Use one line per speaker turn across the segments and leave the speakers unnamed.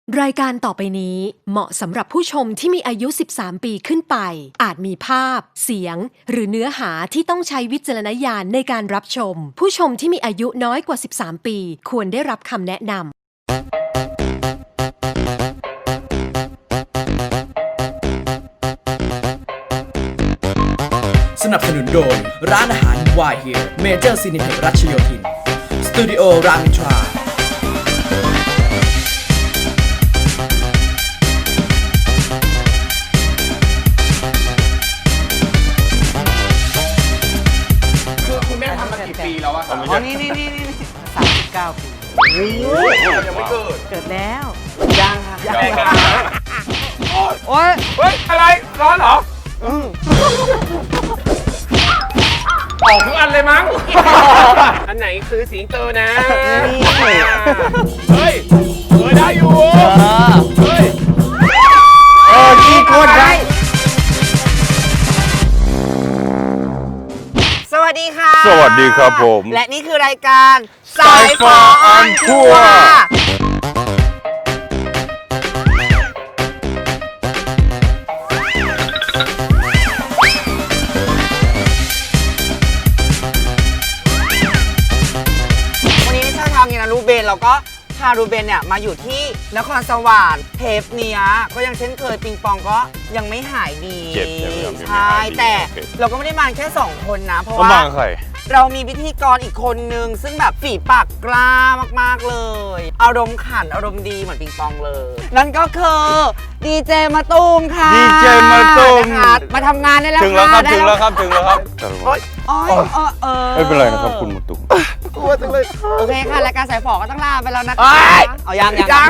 รายการต่อไปนี้เหมาะสำหรับผู้ชมที่มีอายุ 13 ปีขึ้นไป อาจมีภาพ เสียง หรือเนื้อหาที่ต้องใช้วิจารณญาณในการรับชม ผู้ชมที่มีอายุน้อยกว่า 13 ปีควรได้รับคำแนะนำ
สนับสนุนโดยร้านอาหารวายเฮียเมเจอร์ซีนิเพ็กรัชโยธินสตูดิโอรามอินทรา
คือคุณแม่ทำมากี่ปีแล้วอะครับ
อ๋อนี่39 ปี
ยังไม่เกิด
เกิดแล้ว
ยังค่ะยัง
โอ๊ย
เฮ้ย อะไร ร้อนเหรอออกทุกอันเลยมั้ง อันไหนคือสิงโตนะ เฮ้ยได้อยู่ เฮ้ยขี้โคตรได้
สวัสดีค่ะ
สวัสดีครับผม
และนี่คือรายการสา
สาย ย
ฝ
ฝ
อ
อ
อ
อ
อ
อน นทั
ทัว
วร์
ร์วันนี้ชาวทางเนี่ยนะรูเบนเราก็พารูเบนเนี่ยมาอยู่ที่นครสวรรค์เทปเนี้ยก็ยังเช่นเคยปิงปองก็ยังไม่หายดี
เจ็บยังไม่
ใช่
หายดี
แต่
โอเค
เราก็ไม่ได้มาแค่ 2 คนนะ เพราะ
เขา
ว่า
มาใคร
เรามีพิธีกรอีกคนนึง ซึ่งแบบฝีปากกล้ามากๆเลย อารมณ์ขันอารมณ์ดีเหมือนปิงปองเลย นั่นก็คือดีเจมาตูมค่ะ
ดีเจมาตูม
นะคะมาทำงานได้แล้ว
ถึงแล้วครับ
ได้
ถึงแล้วครับถึงแล้วครับ
โอ๊ย
ไม่เป็นไรนะครับคุณมุตุ
กลัวจังเลย
โอเคค่ะรายการสายฝอก็ต้องลาไปแล้วนะ
เอ้
คะ
ย
เอายัง
ไม่
เหรอ
ได้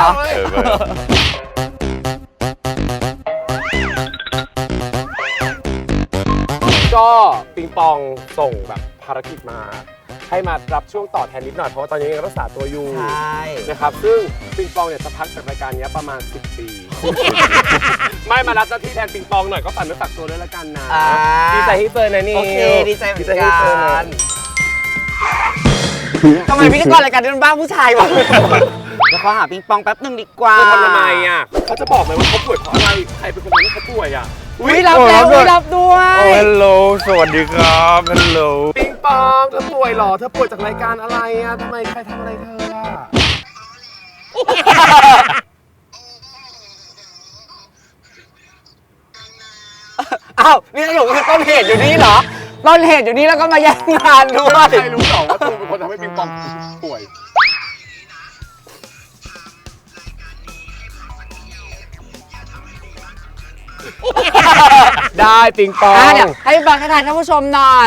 ก็ปิงปองส่งแบบภารกิจมา ให้มารับช่วงต่อแทนนิดหน่อยเพราะว่าตอนนี้ยังรักษาตัวอยู่
ใช่
นะครับซึ่งปิงปองเนี่ยจะพักจากรายการนี้ประมาณ 10 ปี ไม่มารับหน้าที่แทนปิงปองหน่อยก็ฝากเนื้อฝากตัวด้วยละกันนะ
อ่า
ดีใจที่เจอนะนี่
โอเคดีใจเหมือน
ที่เจ
กั
อนะ
นทำไมพิธีกรรายการนี้มันบ้าผู้ชายวะแล้วขอหาปิงปองแป๊บหนึงดีกว่า
จะทำทำไมอ่ะเขาจะบอกไหมว่าเขาป่วยเพราะอะไรใครเป็นคนทำให้เขาป่วยอ่ะ
อุ้ยรับแล้วอุ้ยรับด้วย
โอ้ฮัลโหลสวัสดีครับฮัลโหล
ปิงปองเธอป่วยเหรอเธอป่วยจากรายการอะไรอ่ะทำไมใครทำอะไรเธออ่ะ
อ้าวนี่สรุปคือต้นเหตุอยู่นี่เหรอต้นเหตุอยู่นี่แล้วก็มาแย่งงานด้วย
ใครรู้หรอว่าตูเป็นคนทำให้ปิงปองป่วยได้ปิงปอง
เดี๋ยวให้ฟังให้ทานท่านผู้ชมหน่อย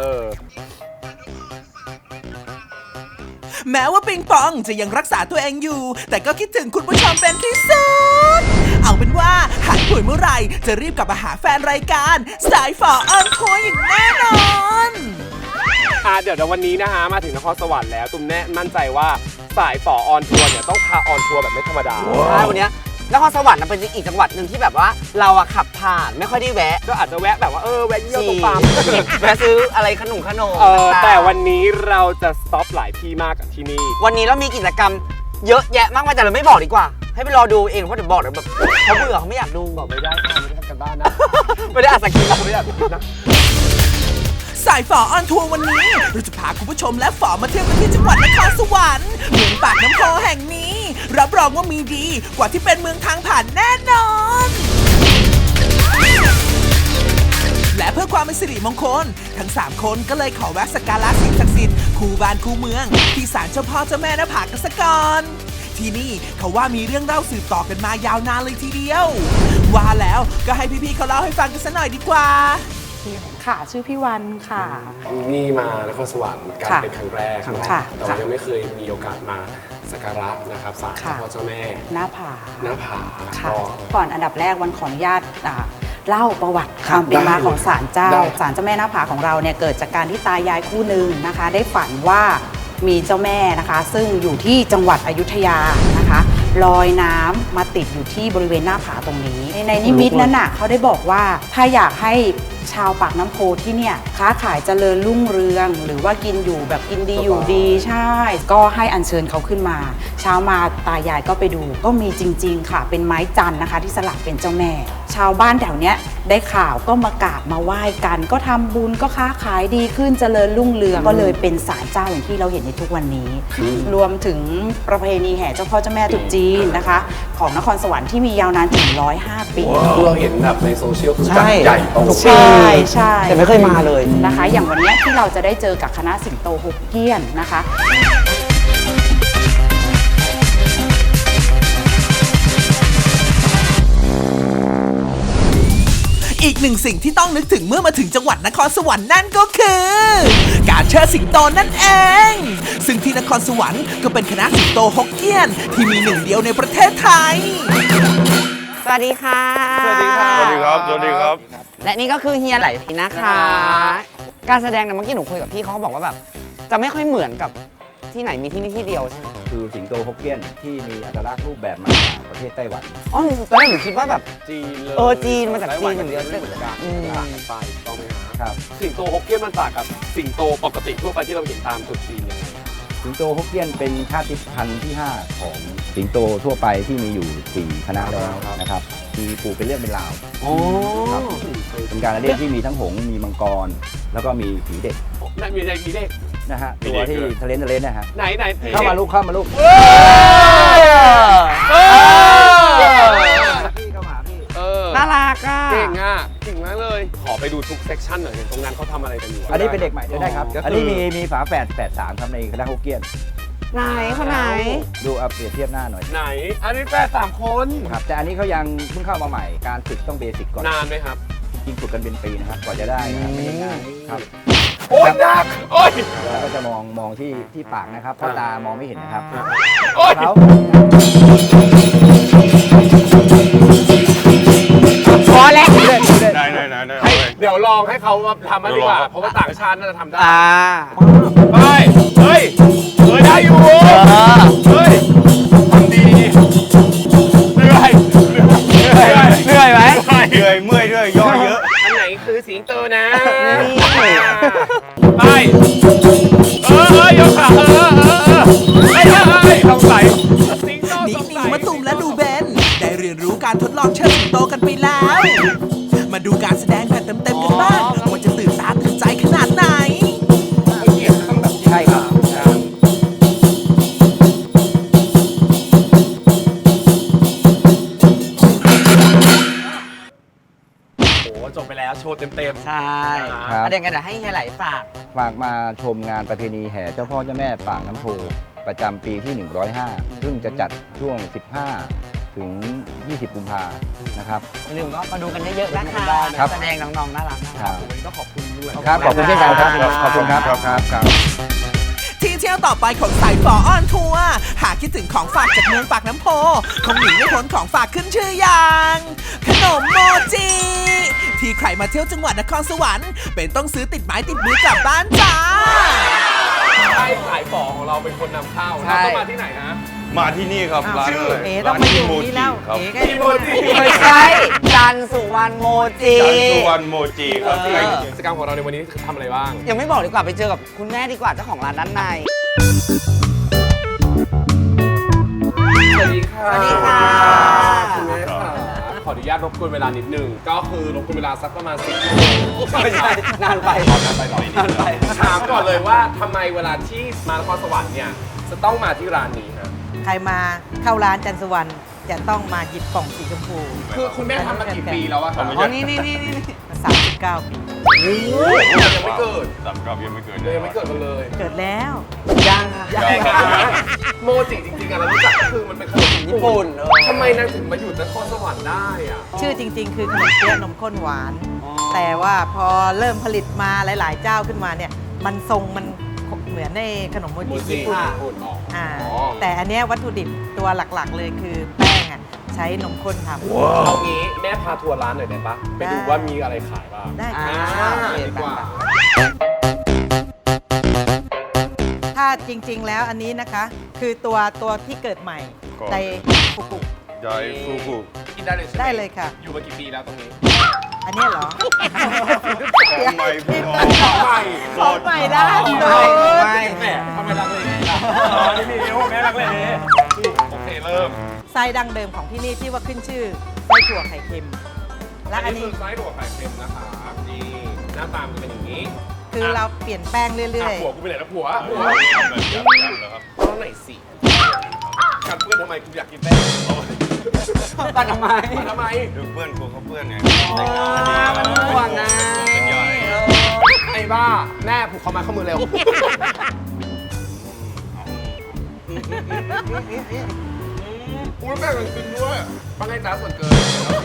แม้ว่าปิงปองจะยังรักษาตัวเองอยู่ แต่ก็คิดถึงคุณผู้ชมเป็นที่สุด เอาเป็นว่าหายป่วยเมื่อไหร่จะรีบกลับมาหาแฟนรายการสายฝอออนทัวร์อย่างแน่นอน
เดี๋ยววันนี้นะฮะมาถึงนครสวรรค์แล้วตุ้มแน่มั่นใจว่าสายฝอออนทัวร์เนี่ยต้องพาออนทัวร์แบบไม่ธรรมดา
ใช่วันเนี้ยนครสวรรค์เป็นอีกจังหวัดหนึ่งที่แบบว่าเราอะขับผ่านไม่ค่อยได้แวะ
ก็อาจจะแวะแบบว่าแวะเยี่ยวตรงปั๊ม
แวะซื้ออะไรขนมต่างๆ
แต่วันนี้เราจะสต็อปหลายที่มากกับที่นี่
วันนี้เรามีกิจกรรมเยอะแยะมากมายแต่เราไม่บอกดีกว่า ให้ไปรอดูเองเพราะเดี๋ยวบอกเดี๋ยวแบบเขาเบื่อเขาไม่อยากดู
บอกไม่ได้ค่ะไม่ได้ทำกันบ้านนะ
ไม่ได้อ่านสคริปต์
ไม่ได้ทำกันนะ
สายฝอออนทัวร์วันนี้เราจะพาคุณผู้ชมและฝอมาเที่ยวกันที่จังหวัดนครสวรรค์เมืองปากน้ำโพแห่งนี้ รับรองว่ามีดีกว่าที่เป็นเมืองทางผ่านแน่นอน และเพื่อความเป็นสิริมงคล ทั้ง 3 คนก็เลยขอแวะสักการะสิ่งศักดิ์สิทธิ์คู่บ้านคู่เมือง ที่ศาลเจ้าพ่อเจ้าแม่หน้าผากันสักก่อนที่นี่เขาว่ามีเรื่องเล่าสืบต่อกันมายาวนานเลยทีเดียว ว่าแล้วก็ให้พี่ๆเขาเล่าให้ฟังกันสักหน่อยดีกว่า
ค่ะชื่อพี่วันค่ะ
นี่มานครสวรรค์การ
ค่ะ
เป็นครั้งแรกเนาะ
ค่ะ
แต่ว่ายังไม่เคยมีโอกาสมาสักการะนะครับศาลเจ้า
ค่ะ
พ่อเจ้าแม่
หน้าผา
หน้าผา
ค่ะ
ก็
ก่อนอันดับแรกวันขออนุญาตเล่าประวัติความเป็นมาของศาลเจ้า
ได้
ศาลเจ้าแม่หน้าผาของเราเนี่ยเกิดจากการที่ตายายคู่หนึ่งนะคะ ได้ฝันว่ามีเจ้าแม่นะคะ ซึ่งอยู่ที่จังหวัดอยุธยานะคะลอยน้ำมาติดอยู่ที่บริเวณหน้าผาตรงนี้ ในนิมิตนั้นน่ะเขาได้บอกว่าถ้าอยากให้ชาวปากน้ำโพที่เนี่ยค้าขายเจริญรุ่งเรือง หรือว่ากินอยู่แบบกินดีอยู่ดีใช่ ก็ให้อัญเชิญเขาขึ้นมาเช้ามาตายายก็ไปดูก็มีจริง ๆ ค่ะ เป็นไม้จันทร์นะคะ ที่สลักเป็นเจ้าแม่ ชาวบ้านแถวเนี้ยได้ข่าวก็มากราบมาไหว้กัน ก็ทำบุญก็ค้าขายดีขึ้นเจริญรุ่งเรืองก็เลยเป็นศาลเจ้าอย่างที่เราเห็นในทุกวันนี้ รวมถึงประเพณีแห่เจ้าพ่อเจ้าแม่ตรุษจีนนะคะ ของนครสวรรค์ที่มียาวนานถึง105 ปี
เราเห็นแบบในโซเชียลคือ
ใช่
จัดใหญ่โต
ทุกปี
ใช่ใช่
แต่ไม่เคยมาเลย
นะคะ อย่างวันเนี้ยที่เราจะได้เจอกับคณะสิงโตฮกเกี้ยนนะคะ
อีกหนึ่งสิ่งที่ต้องนึกถึงเมื่อมาถึงจังหวัดนครสวรรค์นั่นก็คือ การเชิดสิงโตนั่นเอง ซึ่งที่นครสวรรค์ก็เป็นคณะสิงโตฮกเกี้ยนที่มีหนึ่งเดียวในประเทศไทย
สวัสดีค่ะ
สวัสดีค่ะ
สวัสดีครับ สวัสดีครับ
และนี่ก็คือเฮียไหลนะคะ การแสดงเนี่ยเมื่อกี้หนูคุยกับพี่เขาบอกว่าแบบจะไม่ค่อยเหมือนกับที่ไหนมีที่นี่ที่เดียวใช่ไหม
คือสิงโตฮกเกี้ยนที่มีอัตลักษณ์รูปแบบมาจากประเทศไต้หวัน
อ๋อตอนแรกหนูคิดว่าแบบ
จีนเลย
จีนมาจากจีนอย่างเดียว
ไม่เหมือนกัน
อืม
ต่างกันไปถูกต้องไหมฮะ
ครับ
สิงโตฮกเกี้ยนมันต่างกับสิงโตปกติทั่วไปที่เราเห็นตามตรุษจีนยังไง
สิงโตฮกเกี้ยนเป็นชาติพันธุ์ที่ 5 ของสิงโตทั่วไปที่มีอยู่ 4 คณะแล้วนะครับ มีปลูกเป็นเรื่องเป็นราว
อ๋อ
ครับเป็นการละเล่นที่มีทั้งหงส์มีมังกร แล้วก็มีผีเด็ก
นั่นมีอะไรมีเลข
นะฮะ
มี
ตัว
เด็ก
ที่
ด้วย
ทะเลนนะฮะ
ไหนไหน
เข้ามาลูกเข้ามาลูก พี่เข้ามาพี่
น่ารักอ่ะ
เก่งอ่ะเก่งมากเลย ขอไปดูทุกเซกชันหน่อยเห็นตรงนั้นเขาทำอะไรกันอยู่
อันนี้เป็นเด็กใหม่ได้ครับ
ก็คืออั
อันนี้มีฝาแฝด3ครับในคณะฮกเกี้ยน
ไหนคนไหน
ดูเอาเปรียบเทียบหน้าหน่อย
ไหน อันนี้แฟน3 คน
ครับแต่อันนี้เขายังเพิ่งเข้ามาใหม่ การฝึกต้องเบสิกก่อน
นานไหมครับ
จริงฝึกกันเป็นปีนะครับกว่าจะได้นะครับไม่ได้ง่ายครับ
โอ๊ยดักโอ๊ย
แล้วก็จะมองที่ปากนะครับเพราะตามองไม่เห็นนะครับ
โอ๊ย
เขา
พอแล้ว
ได้เอาไป
เดี๋ยวลองให้เขามาทำมันดีกว่า เพราะว่าต่างชาติน่าจะทำได้ ไป เฮ้ยได้อยู่ เฮ้ยทำดี เหนื่อย
เหนื่อยไหม
เหนื่อยเมื่อยด้วยย่อเยอะ
อันไหนคือสิงโตนะ
นี่
ไปยกขาสงสัยสิงโต
นิ
ส
ก
ง
นิ
สั
วย มะตูมและดูเบน ได้เรียนรู้การทดลองเชิดสิงโตกันไปแล้ว มาดูการแสดงแบบเต็มๆกันบ้างว่าจะตื่นตาตื่นใจขนาดไหน
ใช่ครับ
โอ้โหจบไปแล้วโชว์เต็ม
ใช่
ครับ
ประเด็นกันเดี๋ยวให้เฮียไหลฝาก
ฝากมาชมงานประเพณีแห่เจ้าพ่อเจ้าแม่ปากน้ำโพประจำปีที่ 105 ซึ่งจะจัดช่วง 15 ถึง 20 กุมภานะครับ
อย่าลืมก็มาดูกันเยอะๆนะคะ
ครับ
แสดงน้องๆน่ารัก
ครับ
ๆก็ขอบคุณด้วย
ครับขอบคุณเช่นกันครับขอบคุณครับครับ
ที่เที่ยวต่อไปของสายฝอออนทัวร์หากคิดถึงของฝากจากเมืองปากน้ำโพคงหนีไม่พ้นของฝากขึ้นชื่ออย่างขนมโมจิ ที่ใครมาเที่ยวจังหวัดนครสวรรค์เป็นต้องซื้อติดไม้ติดมือกลับบ้านจ้า
ใช่ขายของของเราเป็นคนนำเข้า
ใช่
เราต้องมาที่ไหนฮะ
มาที่นี่ครับ ร้านอะไร
ต้อ
ร้าง น
มาอยู่
โม
นี่
จิ
แล้ว
ครับ
พี่โมจิ
ไม่ใช่จันทร์สุวรรณโมจิ
จันทร์สุวรรณโมจิครับ
กิจกรรมของเราในวันนี้ทำอะไรบ้าง
ยังไม่บอกดีกว่าไปเจอกับคุณแม่ดีกว่าเจ้าของร้านด้านใน
สวัสดีค่ะ
สวัสดีค่ะ
คุณแม่ค่ะขออนุญาตรบกวนเวลานิดนึง ก็คือรบกวนเวลาสักประมาณ10
ไม่ใช่นานไป
นานไปถามก่อนเลยว่าทำไมเวลาที่มานครสวรรค์เนี่ยจะต้องมาที่ร้านนี้ฮะ
ใครมาเข้าร้านจันทร์สุวรรณจะต้องมาหยิบกล่องสีชมพู
คือคุณแม่ทำมากี่ปีแล้วอะครับ
อ๋อ นี่นี่นี่นี่
39 ปี
ยังไม่เกิด
39ยังไม่เกิด
เลยยังไม่เกิดกันเลย
เกิดแล้ว
ยังค่ะ
โมจิจริงๆอะเรารู้จักก็คือมันเป็นขนม
ญี่ปุ่น
ทำไมนางถึงมาอยู่นครสวรรค์ได้อะ
ชื่อจริง ๆ คือขนมเปี๊ยะนมข้นหวาน แต่ว่าพอเริ่มผลิตมาหลาย ๆ เจ้าขึ้นมาเนี่ย มันทรงมันเหมือนในขนมโม
โม
จิ
จิ
ญี่ปุ่น
ญี่ปุ่นออก
แต่อันเนี้ยวัตถุดิบตัวหลัก ๆ เลยคือแป้งอ่ะใช้นมข้นทำ
เอางี้แม่พาทัวร์ร้านหน่อยได้ปะไปดูว่ามีอะไรขายบ้าง
ได้
อ่า
ค่ะ
ดีกว่า
ถ้าจริง ๆ แล้วอันนี้นะคะ คือตัวที่เกิดใหม่
ก่อน
ไดฟุกุ
ไใจฟูฟู
กินได้เลยใช่ไหม
ได้เลยค่ะ
อยู่มากี่ปีแล้วตรงนี้
อันเนี้ยเหรอ
ของใหม่พี่น้อง
ของใหม่
ของใหม่ด้านโน้น
แม่ทำไมรักเลยนี่มีนิ้วแม่รักเลยโอเคเริ่ม
ไส้ดั้งเดิมของที่นี่ที่ว่าขึ้นชื่อไส้ถั่วไข่เค็ม และอันนี้
คือไส้ถั่วไข่เค็มนะคะนี่หน้าตามันเป็นอย่างนี้
คือเราเปลี่ยนแป้งเรื่อย
ผัวกูไปไหนแล้วผัว
แบบยับแล้วครับ
ต้องไหนสิกัดเพื่อนทำไมกูอยากกินแป้ง
ปัดทำไม
ทำไม
ดูเพื่อนกูเขาเพื่อนไง
มันห่วงนะ
เป็นใหญ่
ไอ้บ้าแม่ผูกคอมาข้อมือเร็วกูแป้งมันกินด้วยปังไงจ้าส่วนเกิน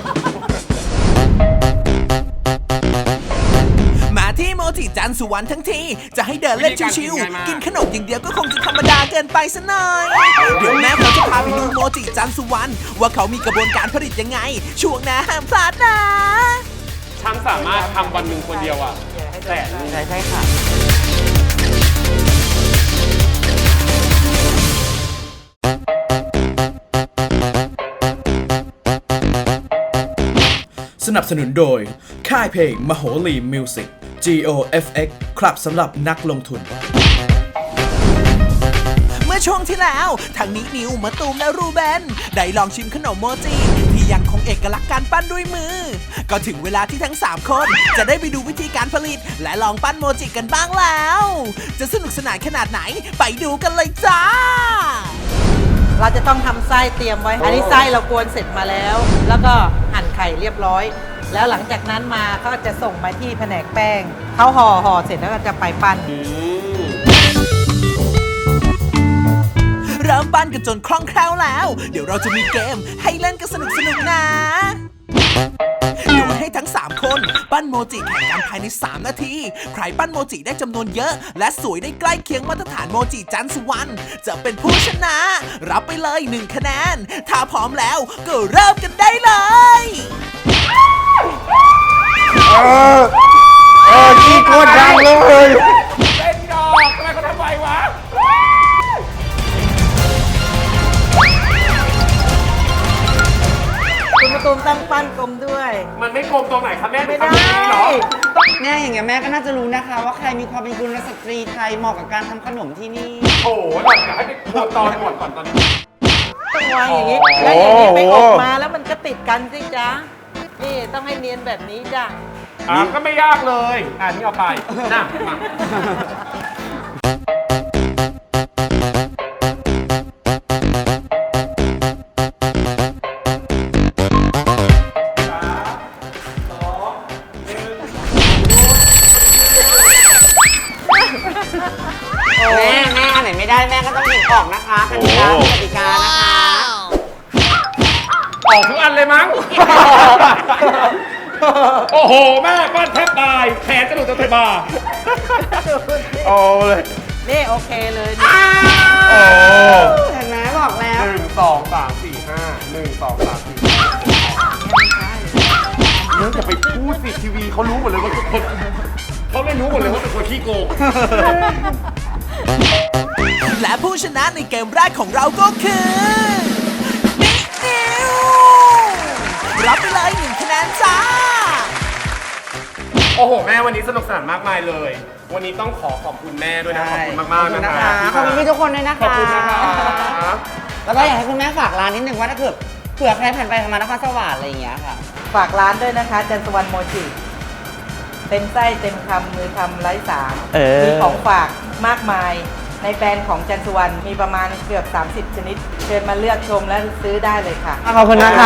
มาที่โมจิจันสุวรรณทั้งที จะให้เดินเล่นชิวๆกินขนมอย่างเดียวก็คงจะธรรมดาเกินไปซะหน่อย เดี๋ยวแม่เขาจะพาไปดูโมจิจันสุวรรณว่าเขามีกระบวนการผลิตยังไง ช่วงหน้าห้ามพลาดนะ
ฉันสามารถทำวันหนึ่งคนเดียวอ่ะแต่
ใช่ค่ะ
สนับสนุนโดย ค่ายเพลงมโหรีมิวสิก GOFX ครับสำหรับนักลงทุน
เมื่อช่วงที่แล้วทางนี้นิวมะตูมและรูเบนได้ลองชิมขนมโมจิที่ยังคงเอกลักษณ์การปั้นด้วยมือ ก็ถึงเวลาที่ทั้ง 3 คนจะได้ไปดูวิธีการผลิต และลองปั้นโมจิกันบ้างแล้ว จะสนุกสนานขนาดไหนไปดูกันเลยจ้า
ๆ เราจะต้องทำไส้เตรียมไว้ อันนี้ไส้เรากวนเสร็จมาแล้ว แล้วก็หั่นไข่เรียบร้อย แล้วหลังจากนั้นมาก็จะส่งมาที่แผนกแป้งเขาห่อเสร็จแล้วก็จะไปปั้น
เริ่มปั้นกันจนคล่องแคล่วแล้ว เดี๋ยวเราจะมีเกมให้เล่นกันสนุกๆนะ โดยให้ทั้ง 3 คนปั้นโมจิแข่งกันภายใน 3 นาที ใครปั้นโมจิได้จำนวนเยอะ และสวยได้ใกล้เคียงมาตรฐานโมจิจันสุวรรณจะเป็นผู้ชนะ รับไปเลย 1 คะแนน ถ้าพร้อมแล้วก็เริ่มกันได้เลย
ขี้โคตรดังเลย
เต้นดอกทำไมเขาทำไววะ
คุณมาตูมตั้งปั้นกลมด้วย
มันไม่กลมตรงไหนครับแม่
ไม่ได้
ทำอย่างนี้เหรอ
แม่อย่างเงี้ยแม่ก็น่าจะรู้นะคะ ว่าใครมีความเป็นกุลสตรีไทยเหมาะกับการทำขนมที่นี่
โอ้โหหล่อนอยากให้ไปทำตอนก่อนตอนนี้
ต้องวางอย่างนี้ แล้วอย่างนี้ไปอบมาแล้วมันก็ติดกันสิจ๊ะ นี่ต้องให้เนียนแบบนี้จ้ะ
ก็ไม่ยากเลยนี่เอาไปนะมา
แม่อันไหนไม่ได้แม่ก็ต้องหยิบออกนะคะกติกานะคะ
ออกทุกอันเลยมั้ง โอ้โห แม่ปั้นแทบตาย แขนกระดูกจะเทบา
เอาเลย
นี่โอเคเลยนี่
โอ้
เห็นไหมบอกแล้ว
1 2 3 4 5 1 2 3 4เนื่องจากไปพูดสิทีวีเขารู้หมดเลยว่าทุกคนเขาไม่รู้หมดเลยว่าเป็นคนขี้โกง
และผู้ชนะในเกมแรกของเราก็คือนิวรับไปเลย 1 คะแนนจ้า
โอ้โห แม่วันนี้สนุกสนานมากมายเลย วันนี้ต้องขอบคุณแม่ด้วยนะ ขอบคุณมากๆนะคะ
ขอบคุณพี่ทุกคนด้วยนะคะ
ขอบคุณนะคะ
แล้วก็อยากให้คุณแม่ฝากร้านนิดนึงว่าถ้าเกิดเผื่อใครผ่านไปผ่านมานครสวรรค์อะไรอย่างเงี้ยค่ะ
ฝากร้านด้วยนะคะ จันทร์สุวรรณโมจิเต็มไส้เต็มคำมือทำไร้สารมีของฝากมากมาย ในแบรนด์ของจันทร์สุวรรณมีประมาณเกือบ 30 ชนิด เชิญมาเลือกชมและซื้อได้เลยค่ะ
ขอบคุณนะคะ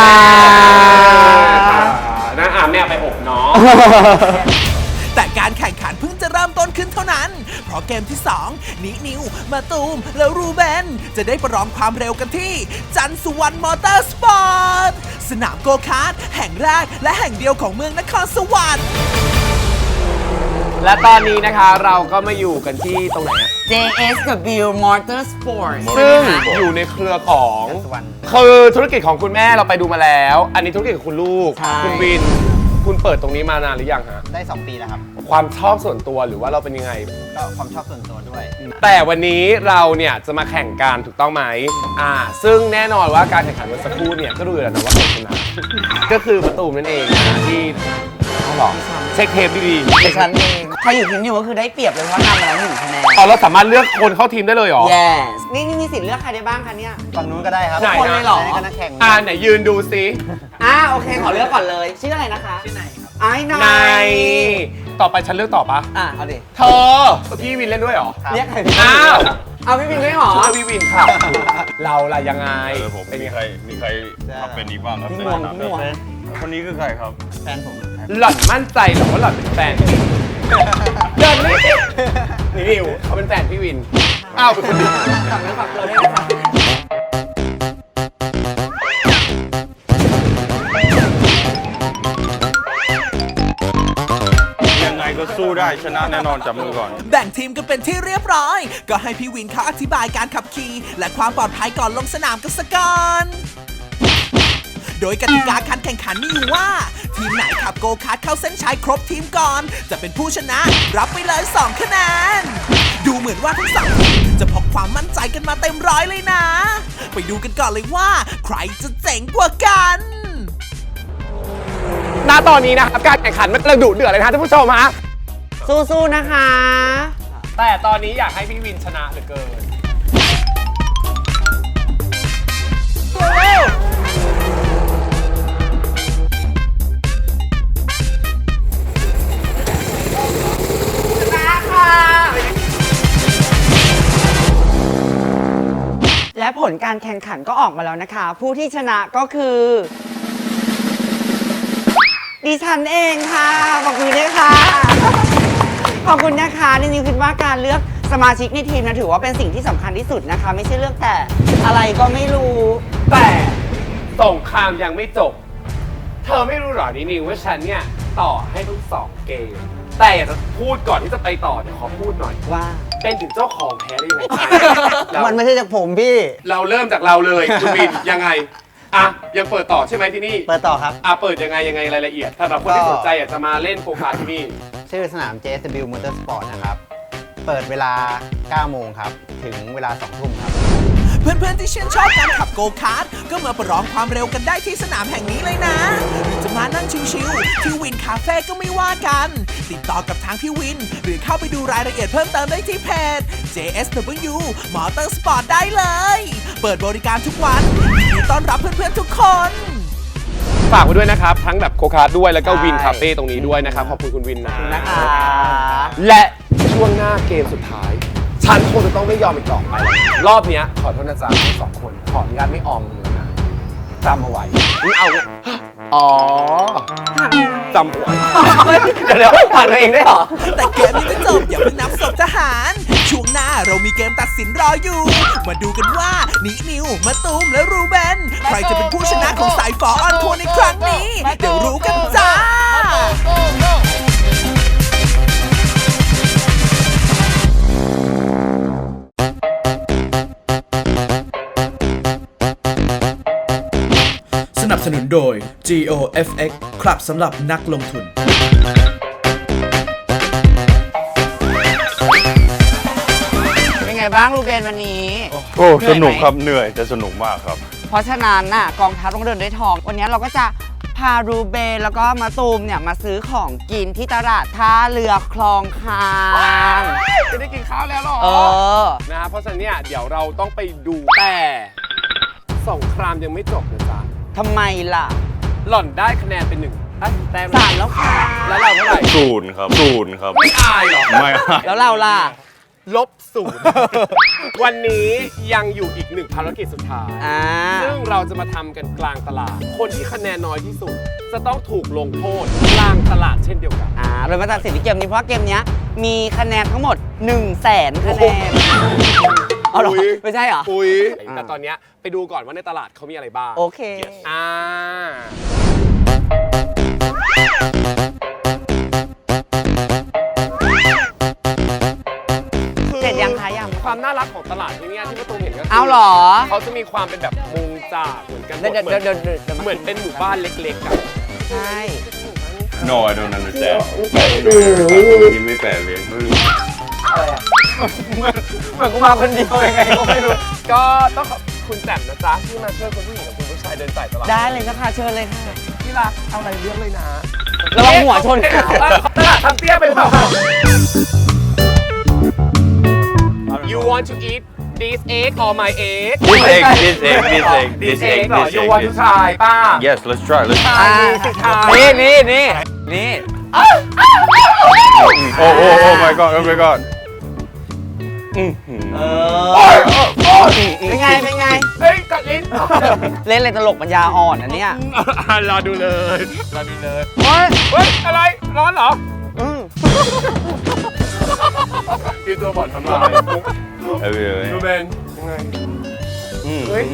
นะแม่ไปอบเนาะ
แต่การแข่งขันเพิ่งจะเริ่มต้นขึ้นเท่านั้น เพราะเกมที่ 2 นิวมาตูม และรูเบนจะได้ประลองความเร็วกันที่ จันทร์สุวรรณมอเตอร์สปอร์ต สนามโกคาร์ทแห่งแรกและแห่งเดียวของเมืองนครสวรรค์
และตอนนี้นะคะเราก็มาอยู่กันที่ตรงไหนอะ
JSW Motorsport
ซึ่งอยู่ในเครือของคือธุรกิจของคุณแม่เราไปดูมาแล้ว อันนี้ธุรกิจของคุณลูก
ใช่
คุณวินคุณเปิดตรงนี้มานานหรือยังฮะ
ได้ 2 ปีแล้วครับ
ความชอบส่วนตัวหรือว่าเราเป็นยังไง
ก็ความชอบส่วนตัวด้วย
แต่วันนี้เราเนี่ยจะมาแข่งกันถูกต้องไหมซึ่งแน่นอนว่าการแข่งขันเมื่อสักครู่เนี่ยก็รู้อยู่แล้วนะว่าใครชนะ ก็คือประตูมนั่นเองนะที่เขาบอกเช็คเทปดีๆ
ดิฉันเองใครอยู่ทีมนิวก็คือได้เปรียบเลยเพราะนำมาแล้ว1 คะแนน
อ๋อเราสามารถเลือกคนเข้าทีมได้เลยเหรอ
yes นี่มีสิทธิ์เลือกใครได้บ้างคะเนี่ยฝั่งนู้นก็ได้ครับ
ไหน
คนเลยเหรอ
นะ
ก็นักแข่ง
ไหนยืนดูซิ
โอเคขอเลือกก่อนเลยชื่ออะไรนะคะชื่อไหนครับไอ้น
นายต่อไปฉันเลือกต่อปะ
เอาดิ
เธอพี่วินเล่นด้วยเหรอ
เรียกใคร
อ้าว
เอาพี่บินด้วยเหรอ
ชื่อพี่วินครับเราล่ะยังไง
ผม
เป็น
มี
ยัง
ใค
ไง
รมาเป็นอีกบ้างครับ
พี่งวงพี่งวง
คนนี้คือใครครับ
แฟนผมครับ
หล่อนมั่นใจเหรอว่าหล่อนเป็นแฟนพี่เดินนี่นิวเขาเป็นแฟนพี่วินอ้าวเป็นคนดี
ฝากเนื้อฝากตัวด้วยนะคะ
ยังไงก็สู้ได้ชนะแน่นอนจับมือก่อน
แบ่งทีมกันเป็นที่เรียบร้อย ก็ให้พี่วินเขาอธิบายการขับขี่และความปลอดภัยก่อนลงสนามกันสักก่อน โดยกติกาการแข่งขันมีอยู่ว่า ทีมไหนขับโกคาร์ทเข้าเส้นชัยครบทีมก่อน จะเป็นผู้ชนะรับไปเลย 2 คะแนน ดูเหมือนว่าทั้งสองทีมจะพกความมั่นใจกันมาเต็มร้อยเลยนะ ไปดูกันก่อนเลยว่า ใครจะเจ๋งกว่ากัน
ณตอนนี้นะครับการแข่งขันมันกำลังดุเดือดเลยนะท่านผู้ชมฮะ
สู้ๆนะคะ
แต่ตอนนี้อยากให้พี่วินชนะเหลือเกิน
และผลการแข่งขันก็ออกมาแล้วนะคะ ผู้ที่ชนะก็คือ ดิฉันเองค่ะขอบคุณด้วยค่ะขอบคุณนะคะจริงๆคิดว่าการเลือกสมาชิกในทีมนะถือว่าเป็นสิ่งที่สำคัญที่สุดนะคะ ไม่ใช่เลือกแต่อะไรก็ไม่รู้
แต่สงครามยังไม่จบ เธอไม่รู้หรอนิวว่าฉันเนี่ยต่อให้ทั้ง2 เกม แต่อยากจะพูดก่อนที่จะไปต่อเดี๋ยวขอพูดหน่อย
ว่า
เป็นถึงเจ้าของแพ้ได้ยังไง
มันไม่ใช่จากผมพี่
เราเริ่มจากเราเลยคุณวินยังไงยังเปิดต่อใช่ไหมที่นี่
เปิดต่อครับ
เปิดยังไงรายละเอียดสำหรับคนที่สนใจอยากจะมาเล่นโกคาร์ทที่นี่
ชื่อสนาม JSW Motorsport นะครับ เปิดเวลา 9 โมงครับ ถึงเวลา 2 ทุ่มครับ
เพื่อนๆที่ชื่นชอบการขับโกคาร์ทก็มาประลองความเร็วกันได้ที่สนามแห่งนี้เลยนะหรือจะมานั่งชิวๆที่วินคาเฟ่ก็ไม่ว่ากัน ติดต่อกับทางพี่วิน หรือเข้าไปดูรายละเอียดเพิ่มเติมได้ที่เพจ JSW Motorsport ได้เลย เปิดบริการทุกวันยินดีต้อนรับเพื่อนๆทุกคน
ฝากไว้ด้วยนะครับ ทั้งแบบโกคาร์ทด้วยแล้วก็
ใช่
วินคาเฟ่ตรงนี้ด้วยนะครับ ขอบคุณคุณวินนะ
นะคะ
และช่วงหน้าเกมสุดท้าย ฉันคงจะต้องไม่ยอมอีกต่อไป รอบเนี้ยขอโทษนะจ๊ะทั้ง2 คนขออนุญาตไม่ออมมือนะจำเอาไว้นี่เอาเนี่ยอ๋อจำเอาไว้เดี๋ยวผ่านตัวเองได้เหรอ
แต่เกมยังไม่จบอย่าเพิ่งนับศพทหาร ช่วงหน้าเรามีเกมตัดสินรออยู่ มาดูกันว่านิวมะตูมและรูเบนใครจะเป็นผู้ชนะของสายฝอออนทัวร์ในครั้งนี้ เดี๋ยวรู้กันจ้า
สนับสนุนโดย GOFX ครับสำหรับนักลงทุน
เป็นไงบ้างลูเบนวันนี้
โอ้สนุกครับเหนื่อยแต่สนุกมากครับ
เพราะฉะนั้นน่ะกองทัพต้องเดินด้วยทอง วันนี้เราก็จะพารูเบนแล้วก็มาตูมเนี่ยมาซื้อของกินที่ตลาดท่าเรือคลองคาง
จะได้กินข้าวแล้วเหรอ นะฮะเพราะฉะนั้นเนี่ยเดี๋ยวเราต้องไปดูแต่สงครามยังไม่จบนะจ๊ะ
ทำไมล่ะ
หล่อนได้คะแนนเป็น1 แต้ม
3 แล้วค่ะ
แล้วเราเท่าไหร่
0 ครับ 0 ครับ
ไม่อายเหรอ
ไม่อาย
แล้วเราล่ะ
-0 วันนี้ยังอยู่อีก1 ภารกิจสุดท้าย ซึ่งเราจะมาทำกันกลางตลาด คนที่คะแนนน้อยที่สุด จะต้องถูกลงโทษกลางตลาดเช่นเดียวกัน
เรามาตัดสินที่เกมนี้เพราะว่าเกมนี้มีคะแนนทั้งหมด 100,000 คะแนนเอาเหรอ
อุ๊ย
ไม่ใช่เหรอ
อุ้ยแต่ตอนเนี้ยไปดูก่อนว่าในตลาดเขามีอะไรบ้าง
โอเค เสร็จยังคะยัง
ความน่ารักของตลาดที่เนี่ยที่ประตูเห็นก็คื
เอาเหรอ
เขาจะมีความเป็นแบบมุงจากเหมือนกันหมด
เดี๋ยว
เหมือนเป็นหมู่บ้านเล็กๆอะ
ใช่
No I don't understand นี่ไม่แปลเลย
เหมือนกูมาคนเดียวยังไงก็ไม่รู้ก็ต้องขอบคุณแจ่มนะจ๊ะที่มาช่วยคุณผู้หญิงกับคุณผู้ชายเดินสายตลาด
ได้เลยนะคะเชิญเลยค่ะ
ที่รักเอาอะไรเลือกเลยนะ
ระวังหัวชน
ตลาดทำเตี้ยเป็นเปล่า You want to eat this egg or my egg
This egg This egg This egg This egg
เหรอ
This
You
egg
want to try ป้า
Yes let's try let's try
นี่
Oh my god oh my god
เป็นไง เป็นไง
เฮ้ยกัดลิ้น
เล่นอะไรตลกปัญญาอ่อนอันเนี้ย
รอดูเลยเฮ้ยอะไรร้อนเหรอกินตัวบอดทำลายดูเบนยังไงเฮ้ย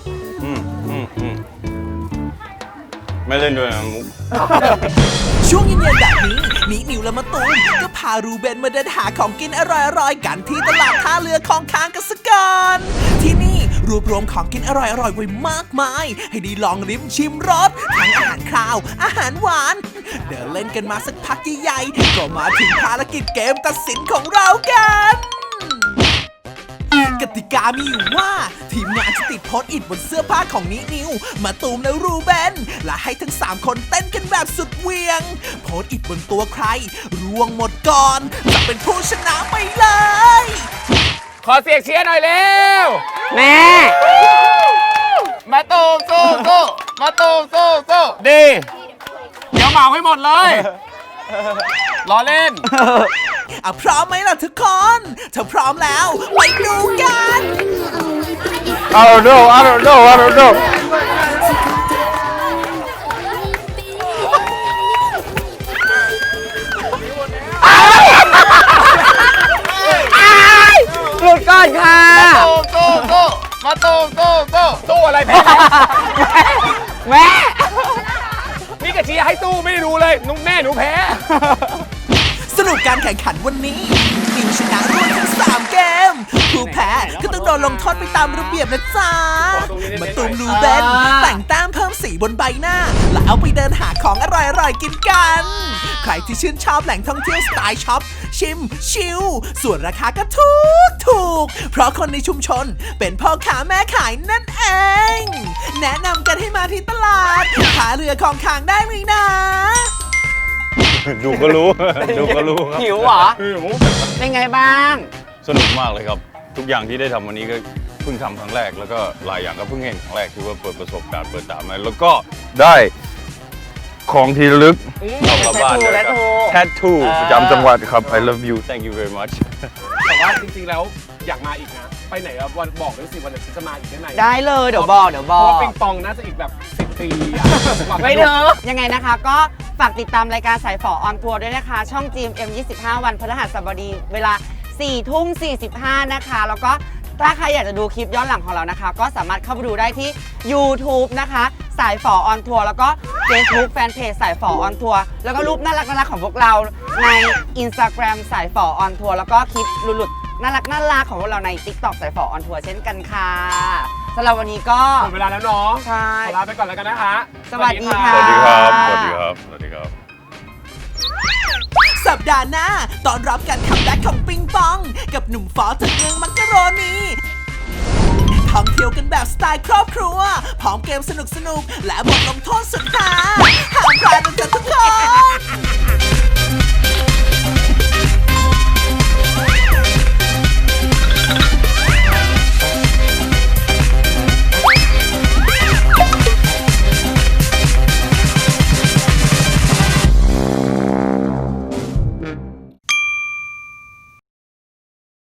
ไม่เล่นด้วยนะมุก
ช่วงเย็นๆแบบนี้นิวและมะตูมก็พารูเบนมาเดินหาของกินอร่อยๆกันที่ตลาดท่าเรือของค้างกันสักก่อนที่นี่รวบรวมของกินอร่อยๆไว้มากมาย ให้ได้ลองลิ้มชิมรสทั้งอาหารคาวอาหารหวาน เดินเล่นกันมาสักพักใหญ่ๆก็มาถึงภารกิจเกมตัดสินของเรากันกติกามีอยู่ว่าทีมงานจะติดโพสต์อิทบนเสื้อผ้าของนิวมาตูมและรูเบนและให้ทั้ง3คนเต้นกันแบบสุดเหวียงโพสต์อิทบนตัวใครร่วงหมดก่อนจะเป็นผู้ชนะไปเลย
ขอเสียงเชียร์หน่อยเร็ว
แม่
มาตูมสู้มาตูมสู้ดีเดี๋ยวเหมาให้หมดเลยล้อเล่น
พร้อมไหมล่ะทุกคน ถ้าพร้อมแล้วไปดูกัน
I don't know I don't know I don't know
หลุดก่อนค่ะ
มาตูมสู้อะไรแพ้
แม่
นี่กะเชียร์ให้สู้ไม่รู้เลยนุ๊กแม่หนูแพ้
สรุปการแข่งขันวันนี้นิวชนะรวดทั้ง3เกมผู้แพ้ก็ต้องโดนลงโทษไปตามระเบียบนะจ๊ะมาตูมรูเบนแต่งแต้มเพิ่มสีบนใบหน้า แล้วเอาไปเดินหาของอร่อยๆกินกัน ใครที่ชื่นชอบแหล่งท่องเที่ยวสไตล์ช็อปชิมชิลส่วนราคาก็ถูกเพราะคนในชุมชนเป็นพ่อค้าแม่ขายนั่นเอง แนะนำกันให้มาที่ตลาดท่าเรือของค้างได้ไหมนะ
ดูก็รู้ดูก็รู้ครับ
หิวเหรอ เป็นไงบ้าง
สนุกมากเลยครับ ทุกอย่างที่ได้ทำวันนี้ก็เพิ่งทำครั้งแรกแล้วก็หลายอย่างก็เพิ่งเห็นครั้งแรกคือว่าเปิดประสบการณ์เปิดตามาแล้วก็ได้ของที่ระลึกเอากลับบ้านเลยครับแทททูประจำจังหวัดครับ I love you thank you very much
แต่ว่าจริงๆแล้วอยากมาอีกนะไปไหนอะวันบอกด้วยสิวันไหนฉันจะมาอีกได้ไหม
ได้เลยเดี๋ยวบอก
เพราะว่าปิงปองน่าจะอีกแบบ10 ปีอะ
ไม่เถอะยังไงนะคะก็ฝากติดตามรายการสายฝอออนทัวร์ด้วยนะคะ ช่อง GMM 25 วันพฤหัสบดีเวลา 4:45 นะคะ แล้วก็ถ้าใครอยากจะดูคลิปย้อนหลังของเรานะคะ ก็สามารถเข้าไปดูได้ที่ YouTube นะคะสายฝอออนทัวร์แล้วก็ Facebook Fanpage สายฝอออนทัวร์แล้วก็รูปน่ารักของพวกเราใน Instagram สายฝอออนทัวร์แล้วก็คลิปหลุดๆน่ารักของพวกเราใน TikTok สายฝอออนทัวร์เช่นกันค่ะสำหรับวันนี้ก็
หมดเวลาแล้วเนาะ
ใช่
ขอลาไปก่อนแล้วกันนะคะ
สวัสดีค่ะ
สวัสดีครับสวัสดีครับสวัสดีครับ
สัปดาห์หน้าตอนรับการคัมแบ็กของปิงปอง กับหนุ่มฟอจากเมืองมักกะโรนีท่องเที่ยวกันแบบสไตล์ครอบครัว พร้อมเกมสนุกๆ และบทลงโทษสุดฮาห้ามพลาดนะจ๊ะทุกคน